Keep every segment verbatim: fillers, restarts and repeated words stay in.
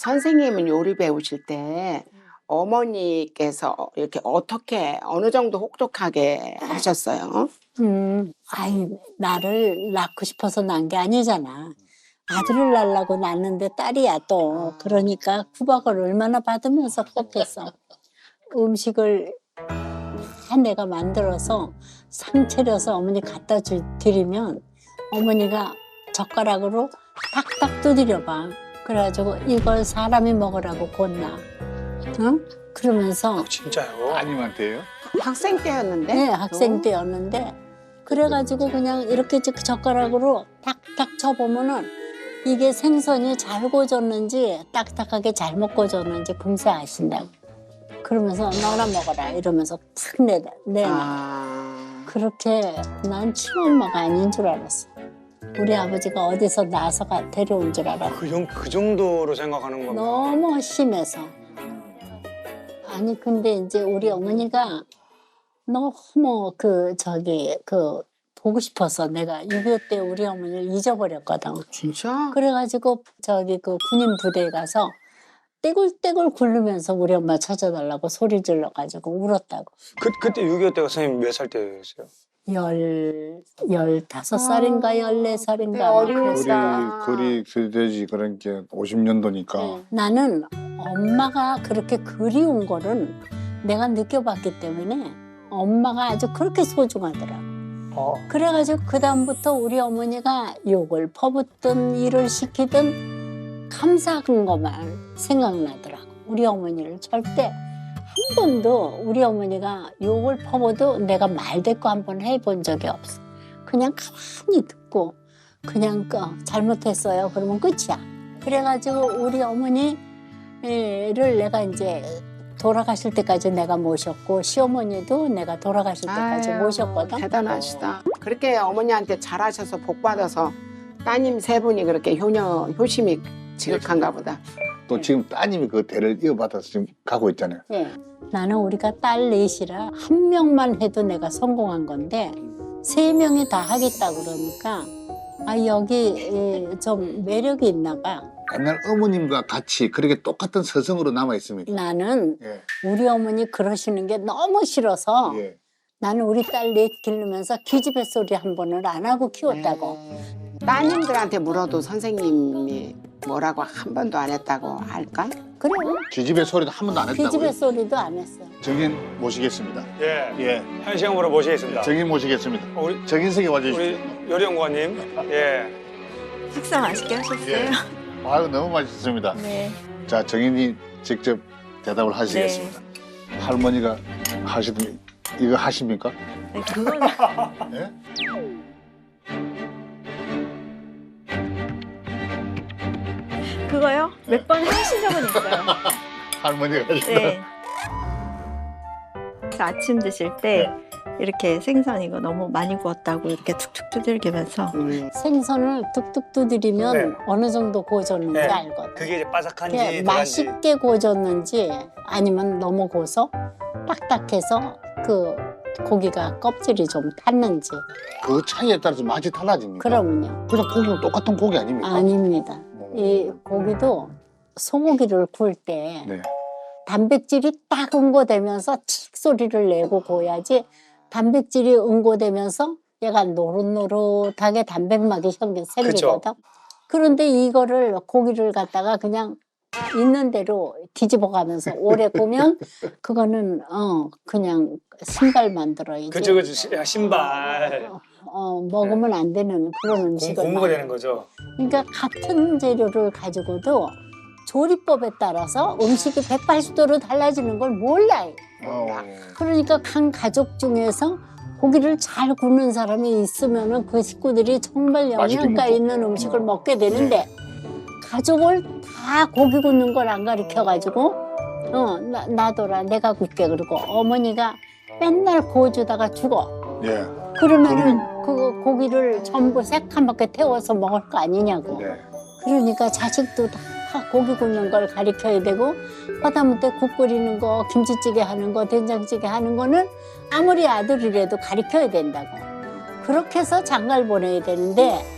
선생님은 요리 배우실 때 어머니께서 이렇게 어떻게 어느 정도 혹독하게 하셨어요? 음, 아이, 나를 낳고 싶어서 난 게 아니잖아. 아들을 낳으려고 낳는데 딸이야 또. 그러니까 구박을 얼마나 받으면서 컸겠어. 음식을 다 내가 만들어서 상 차려서 어머니 갖다 주, 드리면 어머니가 젓가락으로 탁탁 두드려봐. 그래가지고 이걸 사람이 먹으라고 god나. 응? 그러면서 진짜요? 따님한테요? 학생 때였는데? 네, 학생 때였는데 그래가지고 그냥 이렇게 젓가락으로 탁탁 쳐보면은 이게 생선이 잘 구워졌는지 딱딱하게 잘못 구워졌는지 금세 아신다고. 그러면서 너나 먹어라 이러면서 탁 내다 내놔. 아... 그렇게 난 친엄마가 아닌 줄 알았어. 우리 아버지가 어디서 나서가 데려온 줄 알았어. 그, 정, 그 정도로 생각하는 거면 너무 심해서. 아니 근데 이제 우리 어머니가 너무 그 저기 그 보고 싶어서 내가 육이오 때 우리 어머니를 잊어버렸거든. 진짜? 그래가지고 저기 그 군인 부대에 가서 떼굴떼굴 굴르면서 우리 엄마 찾아달라고 소리 질러가지고 울었다고. 그, 그때 육이오 때가 선생님 몇 살 때였어요? 열, 열다섯 살인가 아, 열네 네, 살인가. 어리니까. 거리, 거리 세대지 그런 게 오십 년도니까. 네. 나는 엄마가 그렇게 그리운 거를 내가 느껴봤기 때문에 엄마가 아주 그렇게 소중하더라고. 어. 그래가지고 그다음부터 우리 어머니가 욕을 퍼붓든 일을 시키든 감사한 것만 생각나더라고. 우리 어머니를 절대 한 번도 우리 어머니가 욕을 퍼봐도 내가 말대꾸 한 번 해본 적이 없어. 그냥 가만히 듣고 그냥 그 잘못했어요 그러면 끝이야. 그래가지고 우리 어머니를 내가 이제 돌아가실 때까지 내가 모셨고 시어머니도 내가 돌아가실 때까지 아유, 모셨거든. 대단하시다. 그렇게 어머니한테 잘하셔서 복 받아서 따님 세 분이 그렇게 효녀 효심이 지극한가 보다. 또 지금 따님이 그 대를 이어받아서 지금 가고 있잖아요. 네. 나는 우리가 딸 넷이라 한 명만 해도 내가 성공한 건데 세 명이 다 하겠다 그러니까 아 여기 좀 매력이 있나 봐. 옛날 어머님과 같이 그렇게 똑같은 서성으로 남아 있습니다. 나는 예. 우리 어머니 그러시는 게 너무 싫어서 예. 나는 우리 딸 넷 기르면서 기집애소리 한 번을 안 하고 키웠다고. 네. 따님들한테 물어도 선생님이 뭐라고 한 번도 안 했다고 할까? 그래. 기집애 소리도 한 번도 안 했다고요? 기집애소리도 안 했어요. 정인 모시겠습니다. 예. 예. 한 시간으로 모시겠습니다. 정인 모시겠습니다. 어, 우리, 정인석이 우리 와주십시오. 요리연구원님. 예. 식사 맛있게 하셨어요? 예. 아유 너무 맛있습니다. 네. 자 정인이 직접 대답을 하시겠습니다. 할머니가 하시던 이거 하십니까? 네, 그거는 예? 그거요? 몇 번 하신 적은 있어요. 할머니가 하시던. 네. 그래서 아침 드실 때 이렇게 생선 이거 너무 많이 구웠다고 이렇게 툭툭 두들기면서 음. 생선을 뚝뚝 두드리면 네. 어느 정도 구워졌는지 네. 알거든. 그게 이제 바삭한지 그게 덜한지. 맛있게 구워졌는지 아니면 너무 고서 딱딱해서 그 고기가 껍질이 좀 탔는지. 그 차이에 따라서 맛이 달라집니까? 그럼요. 그냥 고기는 똑같은 고기 아닙니까? 아닙니다. 어. 이 고기도 소고기를 구울 때 네. 단백질이 딱 응고되면서 칙 소리를 내고 구워야지 단백질이 응고되면서 얘가 노릇노릇하게 단백막이 생기- 생기거든. 그런데 이거를 고기를 갖다가 그냥 있는 대로 뒤집어 가면서 오래 구우면 그거는 어 그냥 신발 만들어야지. 그죠, 그죠. 시- 신발. 어 먹으면 안 되는 그런 공, 음식을 공부가 만- 되는 거죠. 그러니까 같은 재료를 가지고도 조리법에 따라서 음식이 백팔십 도로 달라지는 걸 몰라요. 어. 그러니까 한 가족 중에서 고기를 잘 굽는 사람이 있으면은 그 식구들이 정말 맛있게 영양가 먹고. 있는 음식을 먹게 되는데 가족을 다 고기 굽는 걸 안 가르쳐 가지고 어 나, 놔둬라 내가 굽게 그러고 어머니가 맨날 구워주다가 죽어. 예. 그러면은 그 고기를 전부 새카맣게 태워서 먹을 거 아니냐고. 네. 그러니까 자식도 다 고기 굽는 걸 가르쳐야 되고 하다못해 국 끓이는 거, 김치찌개 하는 거, 된장찌개 하는 거는 아무리 아들이라도 가르쳐야 된다고. 그렇게 해서 장가를 보내야 되는데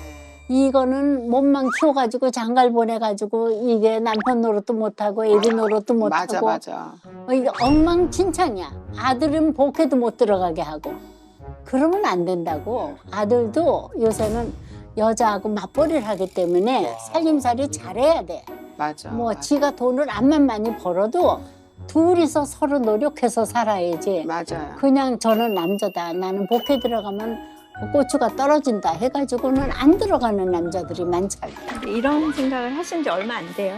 이거는 몸만 키워가지고 장갈 보내가지고 이게 남편 노릇도 못하고 애기 노릇도 맞아 못하고 맞아. 어, 이게 엉망진창이야. 아들은 복회도 못 들어가게 하고. 그러면 안 된다고. 아들도 요새는 여자하고 맞벌이를 하기 때문에 살림살이 잘해야 돼. 맞아. 뭐 맞아. 지가 돈을 암만 많이 벌어도 둘이서 서로 노력해서 살아야지. 맞아요. 그냥 저는 남자다. 나는 복회 들어가면 고추가 떨어진다 해가지고는 안 들어가는 남자들이 많잖아. 근데 이런 생각을 하신 지 얼마 안 돼요.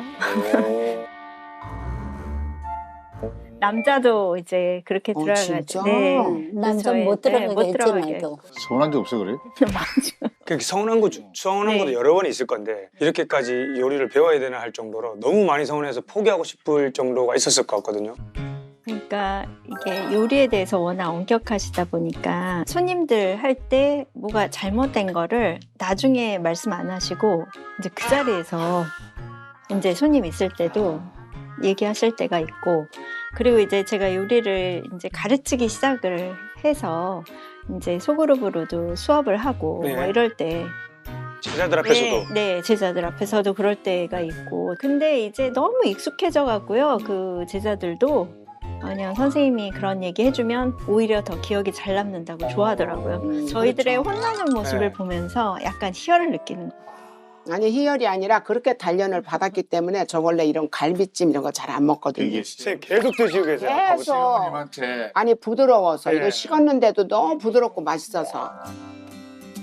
남자도 이제 그렇게 어, 들어가지. 진짜? 네. 남자 저희- 못 네, 들어가게 못 했지 들어가게 나도. 서운한 적 없어 그래? 맞아. 그렇게 서운한 거, 서운한 네. 것도 여러 번 있을 건데 이렇게까지 요리를 배워야 되나 할 정도로 너무 많이 서운해서 포기하고 싶을 정도가 있었을 것 같거든요. 그러니까 이게 요리에 대해서 워낙 엄격하시다 보니까 손님들 할 때 뭐가 잘못된 거를 나중에 말씀 안 하시고 이제 그 자리에서 이제 손님 있을 때도 얘기하실 때가 있고, 그리고 이제 제가 요리를 이제 가르치기 시작을 해서 이제 소그룹으로도 수업을 하고 네. 뭐 이럴 때 제자들 앞에서도. 네, 네, 제자들 앞에서도 그럴 때가 있고. 근데 이제 너무 익숙해져 갖고요. 그 제자들도 그냥 선생님이 그런 얘기 해주면 오히려 더 기억이 잘 남는다고 좋아하더라고요. 음, 저희들의 그렇죠. 혼나는 모습을 네. 보면서 약간 희열을 느끼는 거예요. 아니 희열이 아니라 그렇게 단련을 받았기 때문에 저 원래 이런 갈비찜 이런 거 잘 안 먹거든요. 선생님 계속 드시고 계세요. 계속. 아버님한테 아니 부드러워서 네. 이거 식었는데도 너무 부드럽고 맛있어서